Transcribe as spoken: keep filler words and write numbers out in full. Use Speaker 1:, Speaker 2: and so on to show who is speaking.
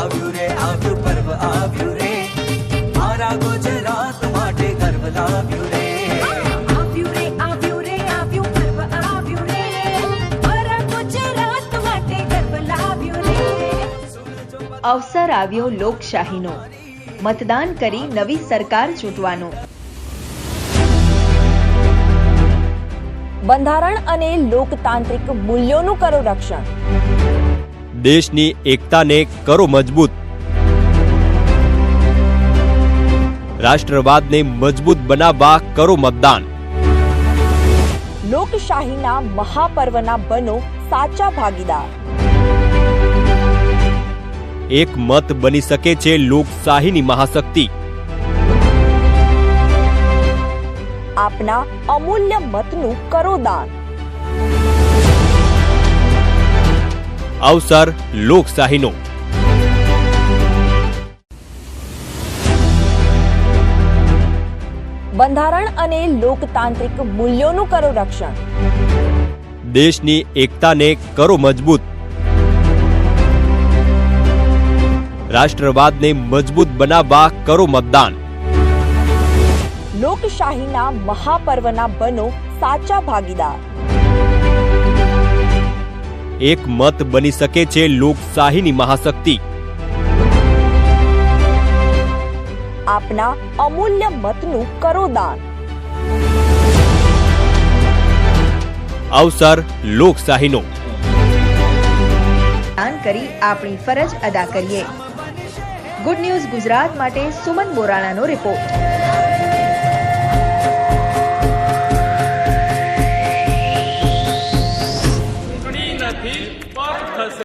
Speaker 1: આવ્યું રે આવ્યું પર્વ આવ્યું રે મારા ગુજરાત માટે ગર્વ લાવ્યું રે
Speaker 2: આવ્યું રે આવ્યું રે આવ્યું પર્વ આવ્યું રે મારા ગુજરાત માટે ગર્વ લાવ્યું રે
Speaker 3: અવસર આવ્યો લોકશાહીનો, મતદાન કરી નવી સરકાર ચૂંટવાનો।
Speaker 4: બંધારણ અને લોકતાંત્રિક મૂલ્યોનું કરો રક્ષણ।
Speaker 5: દેશની એકતાને કરો મજબૂત, રાષ્ટ્રવાદને મજબૂત બનાવવા કરો મતદાન।
Speaker 4: લોકશાહીના મહાપર્વના બનો સાચા ભાગીદાર।
Speaker 5: એક મત બની શકે છે લોકશાહીની મહાશક્તિ।
Speaker 4: આપના અમૂલ્ય મતનું કરો દાન।
Speaker 5: અવસર લોકશાહીનો।
Speaker 4: બંધારણ અને લોકતાંત્રિક મૂલ્યોનું કરો રક્ષણ।
Speaker 5: દેશની એકતાને કરો મજબૂત, રાષ્ટ્રવાદને મજબૂત બનાવવા કરો મતદાન।
Speaker 4: લોકશાહીના મહાપર્વના બનો સાચા ભાગીદાર।
Speaker 5: એક મત બની શકે છે લોકશાહીની મહાશક્તિ।
Speaker 4: આપના અમૂલ્ય મતનું કરો દાન।
Speaker 5: અવસર લોકશાહીનો।
Speaker 3: દાન કરી આપણી ફરજ અદા કરીએ। ગુડ ન્યૂઝ ગુજરાત માટે સુમન બોરાણાનો રિપોર્ટ।